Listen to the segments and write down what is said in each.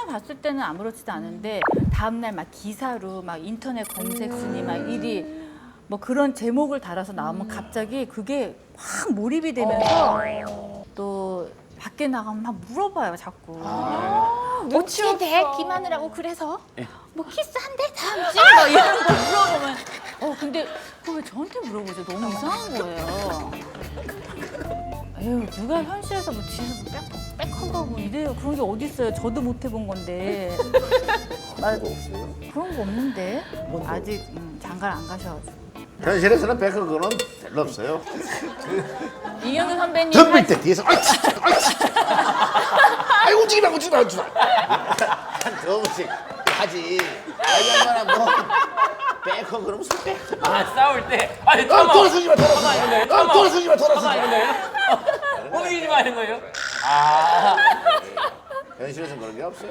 봤을 때는 아무렇지도 않은데 다음날 막 기사로 막 인터넷 검색 순위 막 1위 뭐 그런 제목을 달아서 나오면 갑자기 그게 확 몰입이 되면서 또 밖에 나가면 막 물어봐요 자꾸. 어떻게 돼? 김하느라고 그래서 뭐 키스한대 다음 주에 막 이런 거 물어보면 근데 그거 왜 저한테 물어보죠? 너무 이상한 거예요. 에휴 누가 현실에서 뭐 뒤에서 백허그하고 뭐 이래요. 그런 게 어디 있어요? 저도 못 해본 건데. 그런 거 없어요? 그런 거 없는데 아직 장가를 안 가셔가지고. 현실에서는 백허그는 별로 없어요. 이경규 선배님 덤빌 때 뒤에서 아이 움직이지 마 한 두 번씩 하지. 얼마나 뭐 백허그는 무슨 백허그. 싸울 때 아니 돌아서지 마 이런 거예요? 돌아서지 마 이런 거예요? 움직이지 마 이런 거예요? 현실에서는 그런 게 없어요.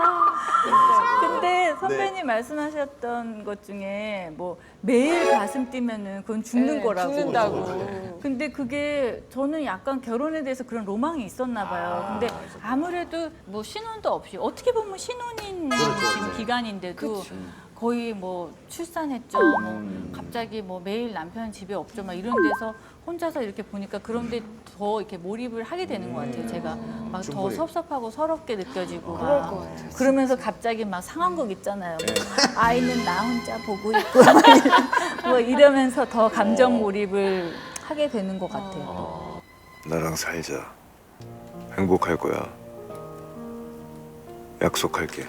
근데 선배님 말씀하셨던 것 중에 뭐 매일 가슴 뛰면은 그건 죽는 거라고. 죽는다고. 근데 그게 저는 약간 결혼에 대해서 그런 로망이 있었나 봐요. 근데 아무래도 뭐 신혼도 없이 어떻게 보면 신혼인 지금 기간인데도 거의 뭐 출산했죠. 뭐 갑자기 뭐 매일 남편 집에 없죠. 막 이런 데서 혼자서 이렇게 보니까 그런데 더 이렇게 몰입을 하게 되는 것 같아요. 제가 막 더 충분히. 섭섭하고 서럽게 느껴지고 그럴 막 것 같아요. 그러면서 갑자기 막 상황극 있잖아요. 아이는 나 혼자 보고 있고 막 뭐 이러면서 더 감정 몰입을 하게 되는 것 같아요. 나랑 살자. 행복할 거야. 약속할게.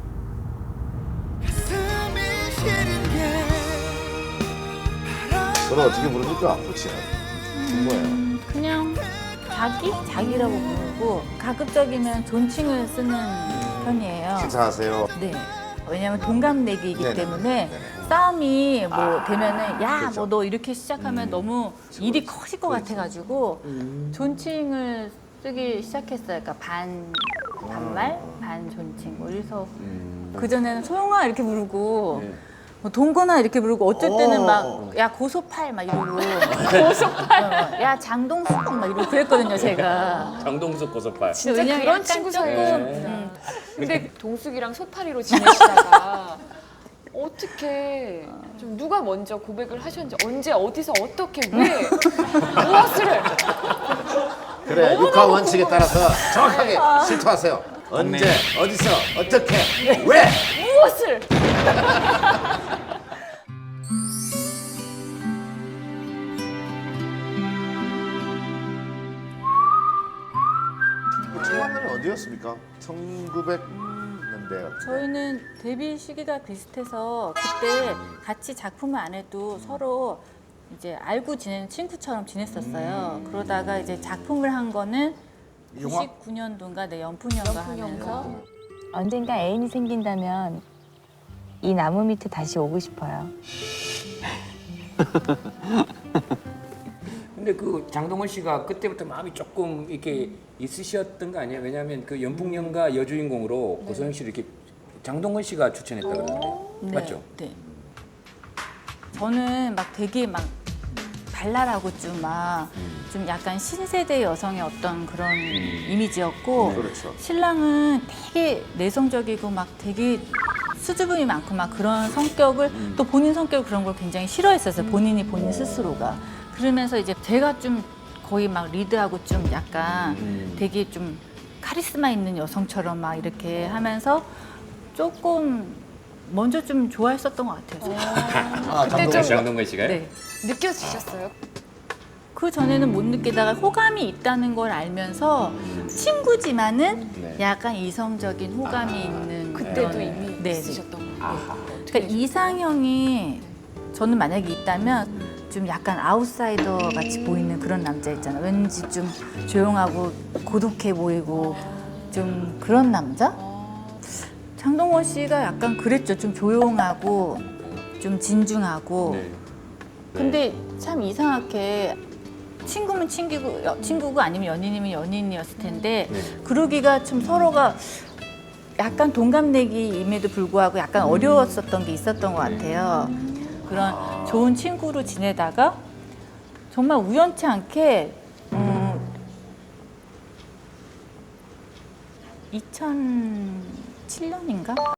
저는 어떻게 부릅니까? 그치는 뭐예요? 그냥 자기라고 부르고 가급적이면 존칭을 쓰는 편이에요. 식사하세요. 네. 왜냐하면 동갑내기이기 네네. 때문에 네네. 싸움이 뭐 되면은 야, 그렇죠. 뭐 너 이렇게 시작하면 너무 일이 커질 것 같아가지고 존칭을 쓰기 시작했어요. 그러니까 반말, 반 존칭. 뭐 이래서 그 전에는 소영아 이렇게 부르고. 뭐 동건아 이렇게 부르고 어쩔 때는 막 야 고소팔 막 이러고 고소팔 야 장동숙 막 이러고 그랬거든요 제가. 장동숙 고소팔. 진짜 왜냐면 그런 약간 친구 조금, 사이에. 근데 동숙이랑 소파리로 지내시다가 어떻게 좀 누가 먼저 고백을 하셨는지 언제 어디서 어떻게 왜 무엇을 그래 육하 원칙에 따라서 정확하게 실토하세요. 언제 어디서 어떻게 왜? 무엇을 첫 만남이 어디였습니까? 1900년대. 저희는 데뷔 시기가 비슷해서 그때 같이 작품을 안 해도 서로 이제 알고 지내는 친구처럼 지냈었어요. 그러다가 이제 작품을 한 거는 영화? 99년도인가 내 연풍연가 하면서 언젠가 애인이 생긴다면 이 나무 밑에 다시 오고 싶어요. 근데 그 장동건 씨가 그때부터 마음이 조금 이렇게 있으셨던 거 아니에요? 왜냐하면 그 연풍연가 여주인공으로 고소영 씨를 이렇게 장동건 씨가 추천했다 그러는데 네, 맞죠? 네. 저는 막 되게 막 발랄하고 좀 약간 신세대 여성의 어떤 그런 이미지였고 그렇죠. 신랑은 되게 내성적이고 막 되게 수줍음이 많고 막 그런 성격을 또 본인 성격 그런 걸 굉장히 싫어했었어요. 본인 스스로가. 그러면서 이제 제가 좀 거의 막 리드하고 좀 약간 되게 좀 카리스마 있는 여성처럼 막 이렇게 하면서 조금 먼저 좀 좋아했었던 것 같아요. 제가. 그때 좀 장동건 씨가요? 네. 느껴지셨어요? 그 전에는 못 느끼다가 호감이 있다는 걸 알면서 친구지만은 네. 약간 이성적인 호감이 있는 그때도 그런- 이미 네. 있으셨던 거예요. 그러니까 이상형이 저는 만약에 있다면 좀 약간 아웃사이더 같이 보이는 그런 남자 있잖아요. 왠지 좀 조용하고 고독해 보이고 좀 그런 남자? 장동건 씨가 약간 그랬죠. 좀 조용하고 좀 진중하고. 네. 근데 참 이상하게 친구면 친구고 아니면 연인이면 연인이었을 텐데 그러기가 좀 서로가 약간 동갑내기임에도 불구하고 약간 어려웠었던 게 있었던 것 같아요. 그런 좋은 친구로 지내다가 정말 우연치 않게 2007 7년인가?